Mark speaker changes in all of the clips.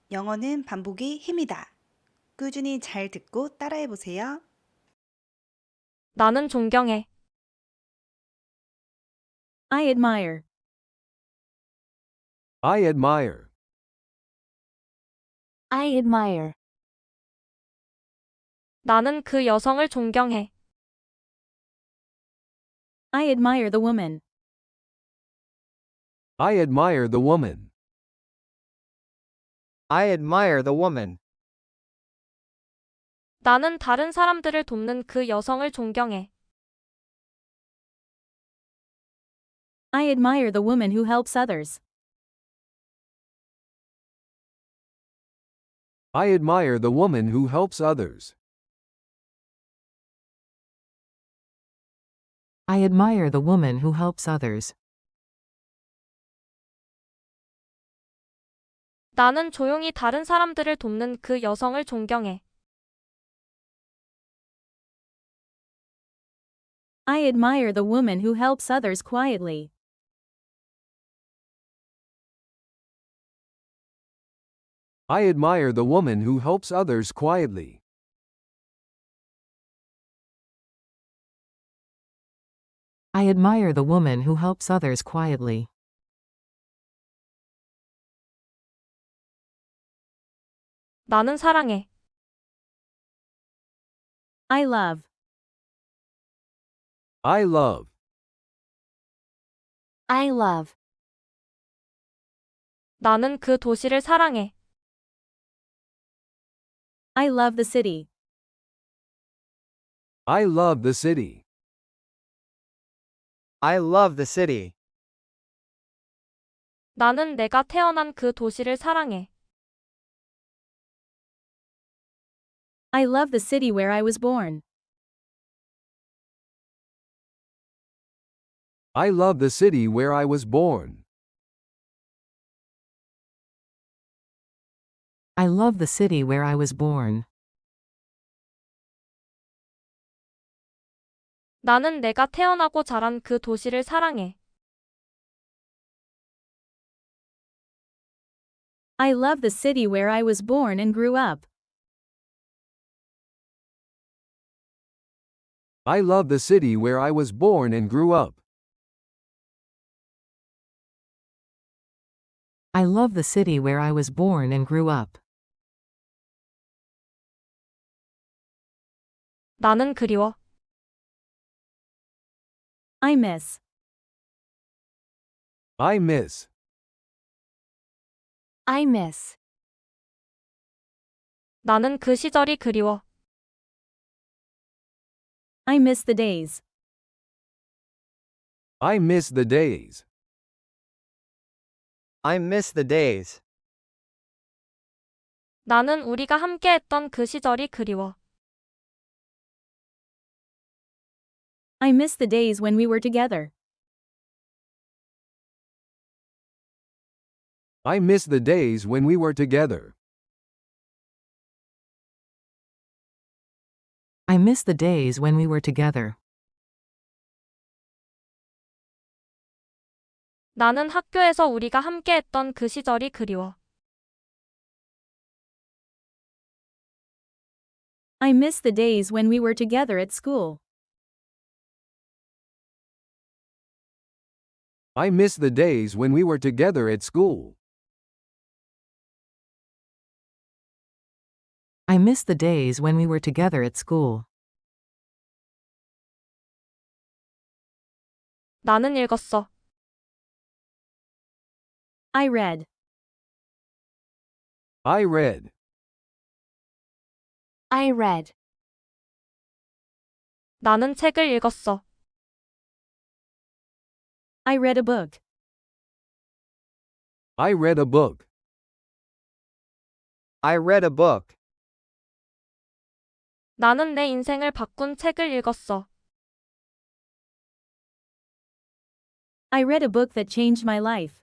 Speaker 1: 영어는 반복이 힘이다. 꾸준히 잘 듣고 따라해 보세요.
Speaker 2: 나는 존경해.
Speaker 3: I admire.
Speaker 4: I admire.
Speaker 3: I admire.
Speaker 2: 나는 그 여성을 존경해.
Speaker 3: I admire the woman.
Speaker 4: I admire the woman.
Speaker 5: I admire the woman.
Speaker 2: 나는 다른 사람들을 돕는 그 여성을 존경해.
Speaker 3: I admire the woman who helps others.
Speaker 4: I admire the woman who helps others.
Speaker 6: I admire the woman who helps others.
Speaker 2: 나는 조용히 다른 사람들을 돕는 그 여성을 존경해.
Speaker 3: I admire the woman who helps others quietly.
Speaker 4: I admire the woman who helps others quietly.
Speaker 6: I admire the woman who helps others quietly.
Speaker 2: 나는 사랑해.
Speaker 3: I love.
Speaker 4: I love.
Speaker 3: I love.
Speaker 2: 나는 그 도시를 사랑해.
Speaker 3: I love the city.
Speaker 4: I love the city.
Speaker 5: I love the city.
Speaker 2: 나는 내가 태어난 그 도시를 사랑해.
Speaker 3: I love the city where I was born.
Speaker 4: I love the city where I was born.
Speaker 6: I love the city where I was born.
Speaker 2: 나는 내가 태어나고 자란 그 도시를 사랑해.
Speaker 3: I love the city where I was born and grew up.
Speaker 4: I love the city where I was born and grew up.
Speaker 6: I love the city where I was born and grew up.
Speaker 2: 나는 그리워.
Speaker 3: I miss.
Speaker 4: I miss.
Speaker 3: I miss.
Speaker 2: 나는 그 시절이 그리워.
Speaker 3: I miss the days.
Speaker 4: I miss the days.
Speaker 5: I miss the days.
Speaker 2: 나는 우리가 함께했던 그 시절이 그리워.
Speaker 3: I miss the days when we were together.
Speaker 4: I miss the days when we were together.
Speaker 6: I miss the days when we were together.
Speaker 2: 나는 학교에서 우리가 함께했던 그 시절이 그리워.
Speaker 3: I miss the days when we were together at school.
Speaker 4: I miss the days when we were together at school.
Speaker 6: I miss the days when we were together at school.
Speaker 2: 나는 읽었어.
Speaker 3: I read.
Speaker 4: I read.
Speaker 3: I read.
Speaker 2: 나는 책을 읽었어.
Speaker 3: I read a book.
Speaker 4: I read a book.
Speaker 5: I read a book.
Speaker 2: 나는 내 인생을 바꾼 책을 읽었어.
Speaker 3: I read a book that changed my life.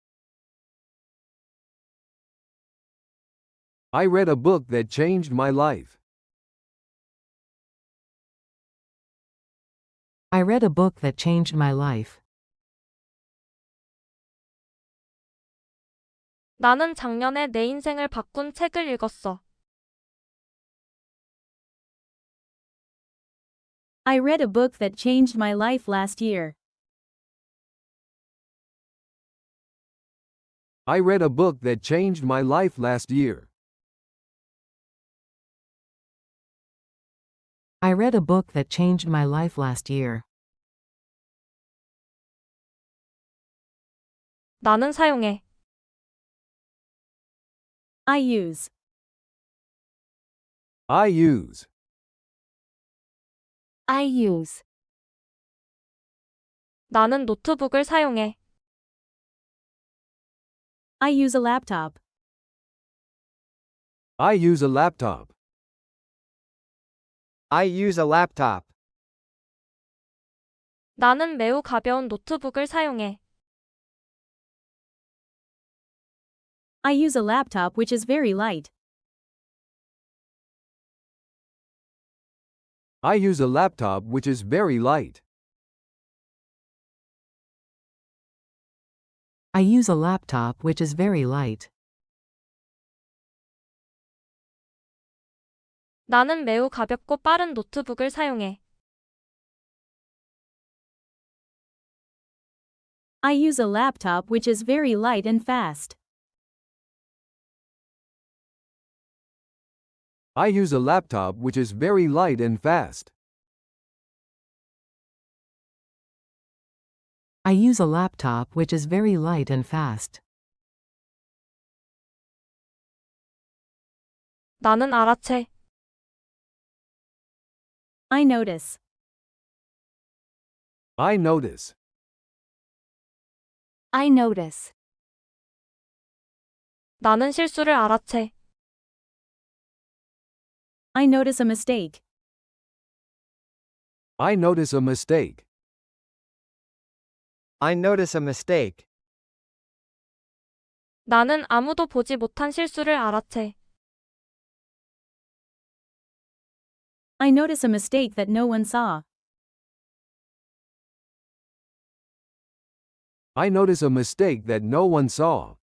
Speaker 4: I read a book that changed my life.
Speaker 6: I read a book that changed my life.
Speaker 2: 나는 작년에 내 인생을 바꾼 책을 읽었어.
Speaker 3: I read a book that changed my life last year.
Speaker 4: I read a book that changed my life last year.
Speaker 6: I read a book that changed my life last year.
Speaker 2: 나는 사용해.
Speaker 3: I use.
Speaker 4: I use.
Speaker 3: I use.
Speaker 2: 나는 노트북을 사용해.
Speaker 3: I use a laptop.
Speaker 4: I use a laptop.
Speaker 5: I use a laptop.
Speaker 2: 나는 매우 가벼운 노트북을 사용해.
Speaker 3: I use a laptop which is very light.
Speaker 4: I use a laptop which is very light.
Speaker 6: I use a laptop which is very light.
Speaker 2: 나는 매우 가볍고 빠른 노트북을 사용해.
Speaker 3: I use a laptop which is very light and fast.
Speaker 4: I use a laptop which is very light and fast.
Speaker 6: I use a laptop which is very light and fast.
Speaker 2: 나는 알아채.
Speaker 3: I notice.
Speaker 4: I notice.
Speaker 3: I notice.
Speaker 2: 나는 실수를 알아채.
Speaker 3: I notice a mistake.
Speaker 4: I notice a mistake.
Speaker 5: I notice a mistake.
Speaker 2: 나는 아무도 보지 못한 실수를 알아채.
Speaker 3: I notice a mistake that no one saw.
Speaker 4: I notice a mistake that no one saw.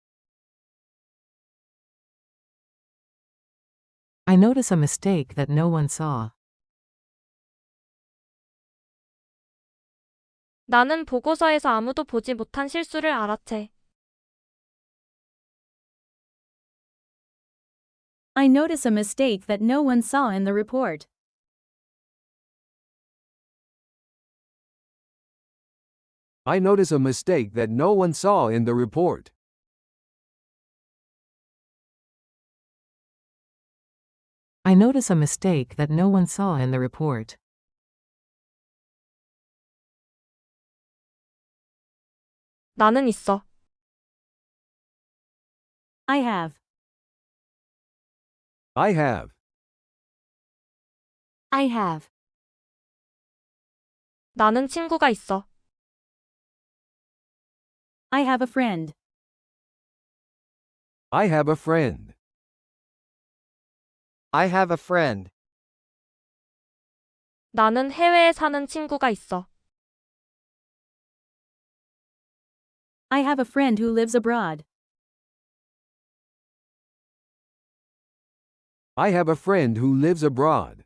Speaker 6: I notice a mistake that no one saw.
Speaker 2: 나는 보고서에서 아무도 보지 못한 실수를 알아채.
Speaker 3: I notice a mistake that no one saw in the report.
Speaker 4: I notice a mistake that no one saw in the report.
Speaker 6: I notice a mistake that no one saw in the report.
Speaker 2: 나는 있어.
Speaker 3: I have.
Speaker 4: I have.
Speaker 3: I have.
Speaker 2: 나는 친구가 있어.
Speaker 3: I have a friend.
Speaker 4: I have a friend.
Speaker 5: I have a friend.
Speaker 2: 나는 해외에 사는 친구가 있어.
Speaker 3: I have a friend who lives abroad.
Speaker 4: I have a friend who lives abroad.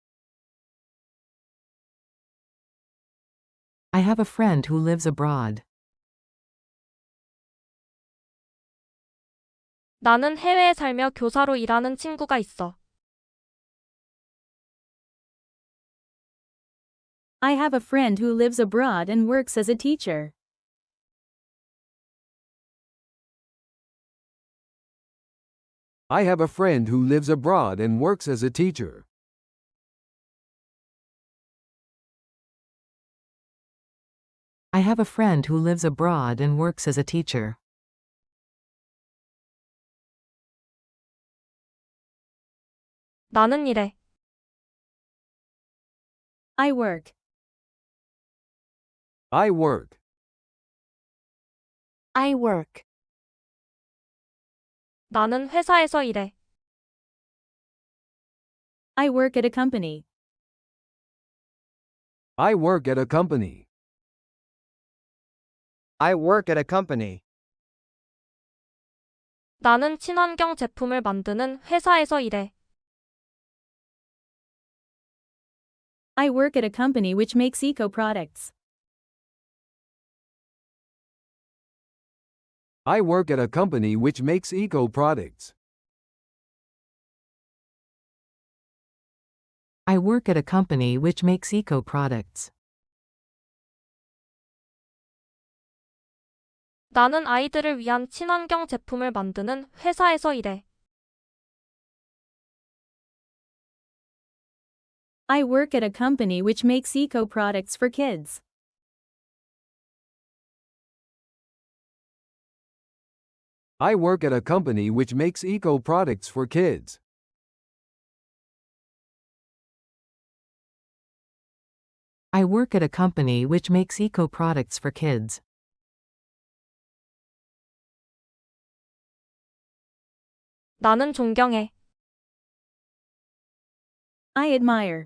Speaker 6: I have a friend who lives abroad.
Speaker 2: 나는 해외에 살며 교사로 일하는 친구가 있어.
Speaker 3: I have a friend who lives abroad and works as a teacher.
Speaker 4: I have a friend who lives abroad and works as a teacher.
Speaker 6: I have a friend who lives abroad and works as a teacher.
Speaker 2: 나는 일해.
Speaker 3: I work.
Speaker 4: I work.
Speaker 3: I work.
Speaker 2: 나는 회사에서 일해.
Speaker 3: I work at a company.
Speaker 4: I work at a company.
Speaker 5: I work at a company.
Speaker 2: 나는 친환경 제품을 만드는 회사에서 일해.
Speaker 3: I work at a company which makes eco products.
Speaker 4: I work at a company which makes eco products.
Speaker 6: I work at a company which makes eco products.
Speaker 2: 나는 아이들을 위한 친환경 제품을 만드는 회사에서 일해.
Speaker 3: I work at a company which makes eco products for kids.
Speaker 4: I work at a company which makes eco products for kids.
Speaker 6: I work at a company which makes eco products for kids.
Speaker 2: 나는 존경해.
Speaker 3: I admire.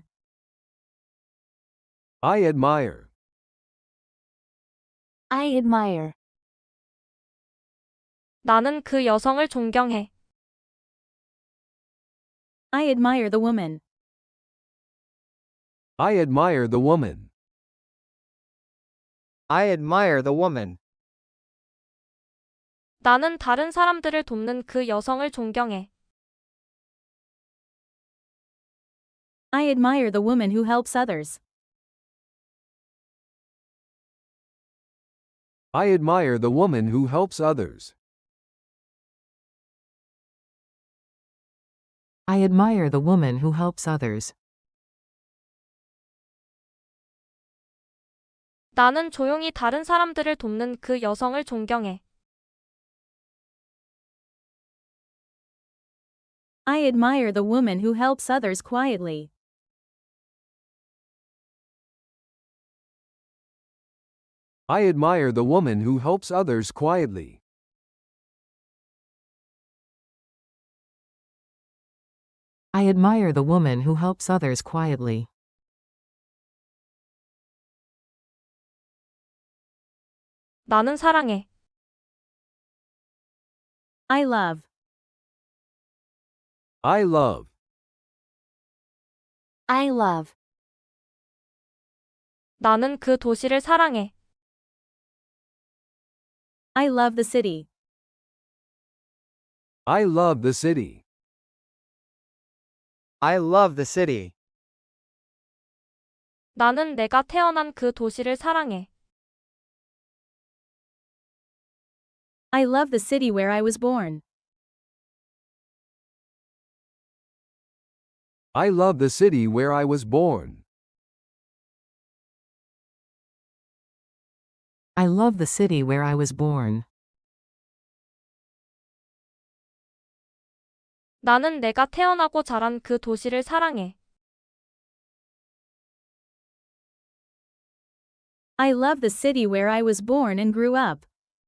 Speaker 4: I admire.
Speaker 3: I admire.
Speaker 2: 나는 그 여성을 존경해.
Speaker 3: I admire the woman.
Speaker 4: I admire the woman.
Speaker 5: I admire the woman.
Speaker 2: 나는 다른 사람들을 돕는 그 여성을 존경해.
Speaker 3: I admire the woman who helps others.
Speaker 4: I admire the woman who helps others.
Speaker 6: I admire the woman who helps others.
Speaker 2: 나는 조용히 다른 사람들을 돕는 그 여성을 존경해.
Speaker 3: I admire the woman who helps others quietly.
Speaker 4: I admire the woman who helps others quietly.
Speaker 6: I admire the woman who helps others quietly.
Speaker 2: 나는 사랑해.
Speaker 3: I love.
Speaker 4: I love.
Speaker 3: I love.
Speaker 2: 나는 그 도시를 사랑해.
Speaker 3: I love the city.
Speaker 4: I love the city.
Speaker 5: I love the city.
Speaker 2: 나는 내가 태어난 그 도시를 사랑해.
Speaker 3: I love the city where I was born.
Speaker 4: I love the city where I was born.
Speaker 6: I love the city where I was born.
Speaker 2: 나는 내가 태어나고 자란 그 도시를 사랑해.
Speaker 3: I love the city where I was born and grew up.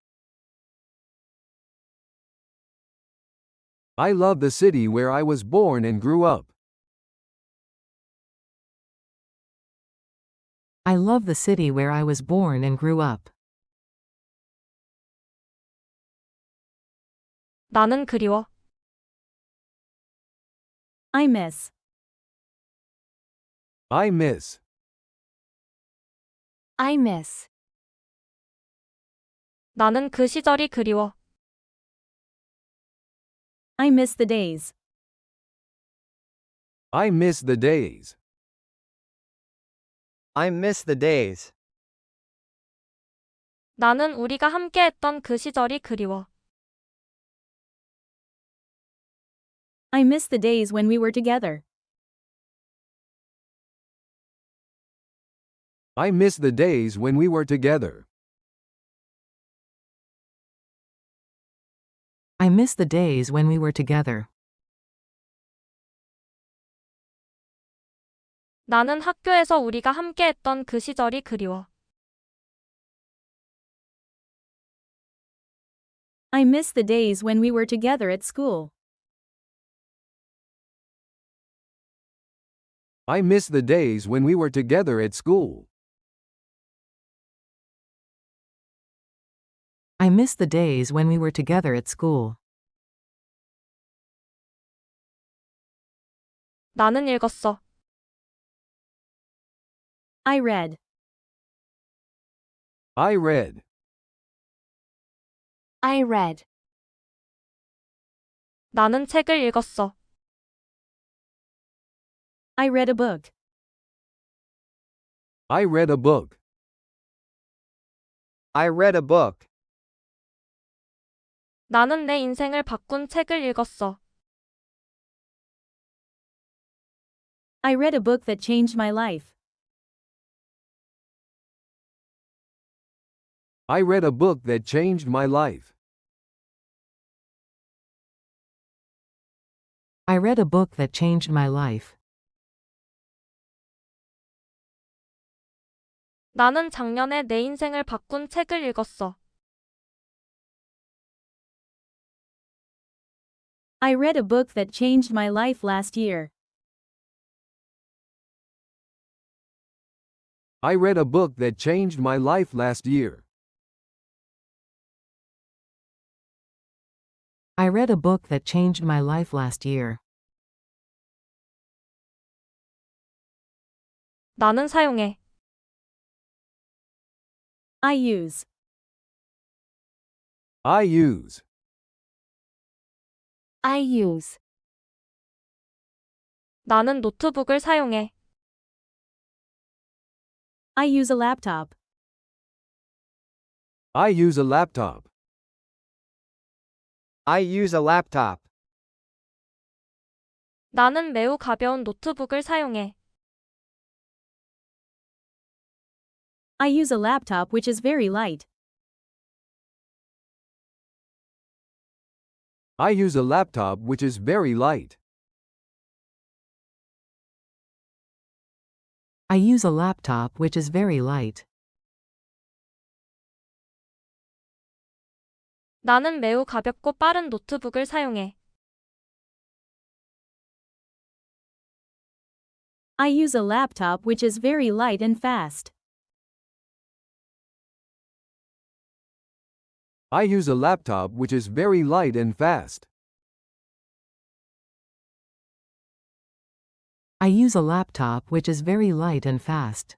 Speaker 4: I love the city where I was born and grew up.
Speaker 6: I love the city where I was born and grew up.
Speaker 2: 나는 그리워.
Speaker 3: I miss.
Speaker 4: I miss.
Speaker 3: I miss.
Speaker 2: 나는 그 시절이 그리워.
Speaker 3: I miss the days.
Speaker 4: I miss the days.
Speaker 5: I miss the days.
Speaker 2: 나는 우리가 함께했던 그 시절이 그리워.
Speaker 3: I miss the days when we were together.
Speaker 4: I miss the days when we were together.
Speaker 6: I miss the days when we were together.
Speaker 2: 나는 학교에서 우리가 함께했던 그 시절이 그리워.
Speaker 3: I miss the days when we were together at school.
Speaker 4: I miss the days when we were together at school.
Speaker 6: I miss the days when we were together at school.
Speaker 2: 나는 읽었어.
Speaker 3: I read.
Speaker 4: I read.
Speaker 7: I read.
Speaker 2: 나는 책을 읽었어.
Speaker 3: I read a book.
Speaker 4: I read a book.
Speaker 5: I read a book.
Speaker 2: 나는 내 인생을 바꾼 책을 읽었어.
Speaker 3: I read a book that changed my life.
Speaker 4: I read a book that changed my life.
Speaker 6: I read a book that changed my life.
Speaker 2: 나는 작년에 내 인생을 바꾼 책을 읽었어.
Speaker 3: I read a book that changed my life last year.
Speaker 4: I read a book that changed my life last year.
Speaker 6: I read a book that changed my life last year.
Speaker 2: 나는 사용해.
Speaker 3: I use.
Speaker 4: I use.
Speaker 7: I use.
Speaker 2: 나는 노트북을 사용해.
Speaker 3: I use a laptop.
Speaker 4: I use a laptop.
Speaker 5: I use a laptop.
Speaker 2: 나는 매우 가벼운 노트북을 사용해.
Speaker 3: I use a laptop which is very light.
Speaker 4: I use a laptop which is very light.
Speaker 6: I use a laptop which is very light.
Speaker 2: 나는 매우 가볍고 빠른 노트북을 사용해.
Speaker 3: I use a laptop which is very light and fast.
Speaker 4: I use a laptop which is very light and fast.
Speaker 6: I use a laptop which is very light and fast.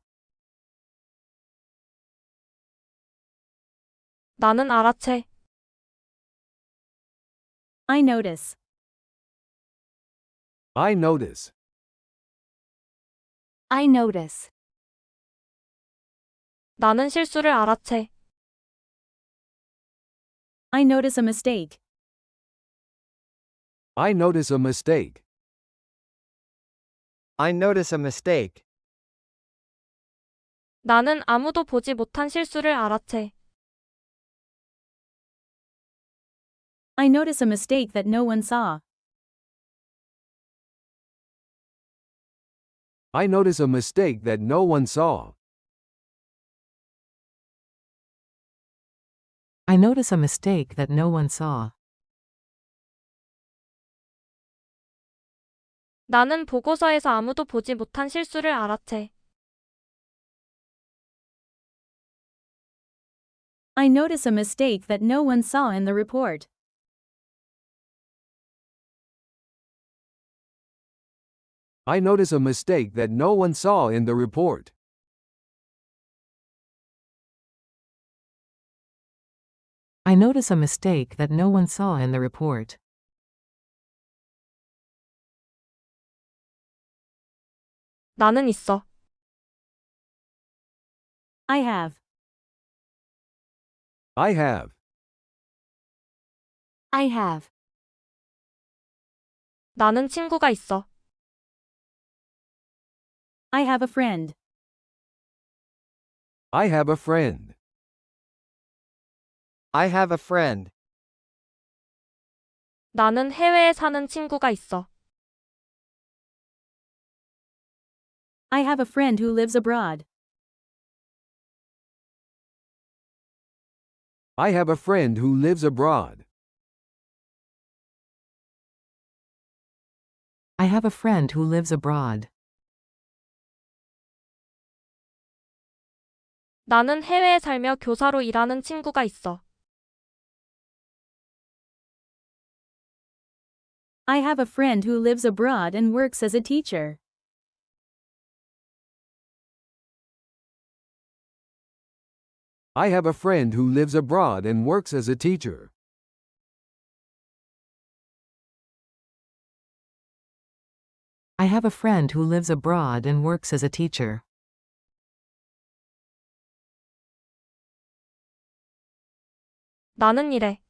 Speaker 2: 나는 알아채.
Speaker 3: I notice.
Speaker 4: I notice.
Speaker 7: I notice.
Speaker 2: 나는 실수를 알아채.
Speaker 3: I notice a mistake.
Speaker 4: I notice a mistake.
Speaker 5: I notice a mistake.
Speaker 2: 나는 아무도 보지 못한 실수를 알아채.
Speaker 3: I notice a mistake that no one saw.
Speaker 4: I notice a mistake that no one saw.
Speaker 6: I notice a mistake that no one saw.
Speaker 2: 나는 보고서에서 아무도 보지 못한 실수를 알아채.
Speaker 3: I notice a mistake that no one saw in the report.
Speaker 4: I notice a mistake that no one saw in the report.
Speaker 6: I notice a mistake that no one saw in the report.
Speaker 2: 나는 있어.
Speaker 3: I have.
Speaker 4: I have.
Speaker 7: I have.
Speaker 2: 나는 친구가 있어.
Speaker 3: I have a friend.
Speaker 4: I have a friend.
Speaker 5: I have a friend.
Speaker 2: 나는 해외에 사는 친구가 있어.
Speaker 3: I have a friend who lives abroad.
Speaker 4: I have a friend who lives abroad.
Speaker 6: I have a friend who lives abroad.
Speaker 2: 나는 해외에 살며 교사로 일하는 친구가 있어.
Speaker 3: I have a friend who lives abroad and works as a teacher.
Speaker 4: I have a friend who lives abroad and works as a teacher.
Speaker 6: I have a friend who lives abroad and works as a teacher.
Speaker 2: 나는 일해.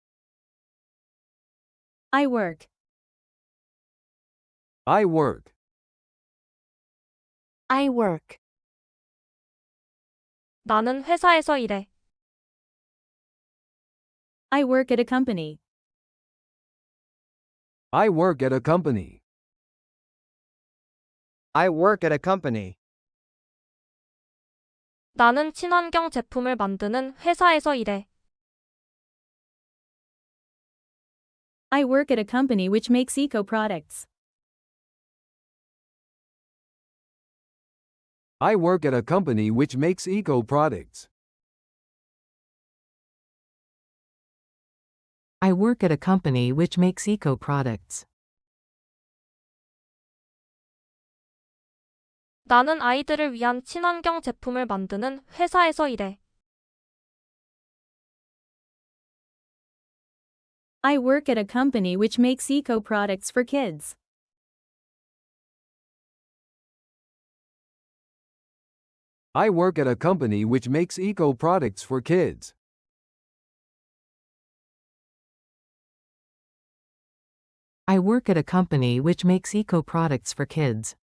Speaker 3: I work.
Speaker 4: I work.
Speaker 7: I work.
Speaker 2: 나는 회사에서 일해.
Speaker 3: I work at a company.
Speaker 4: I work at a company.
Speaker 5: I work at a company.
Speaker 2: 나는 친환경 제품을 만드는 회사에서 일해.
Speaker 3: I work at a company which makes eco products.
Speaker 4: I work at a company which makes eco products.
Speaker 6: I work at a company which makes eco products.
Speaker 2: 나는 아이들을 위한 친환경 제품을 만드는 회사에서 일해.
Speaker 3: I work at a company which makes eco products for kids.
Speaker 4: I work at a company which makes eco products for kids.
Speaker 6: I work at a company which makes eco products for kids.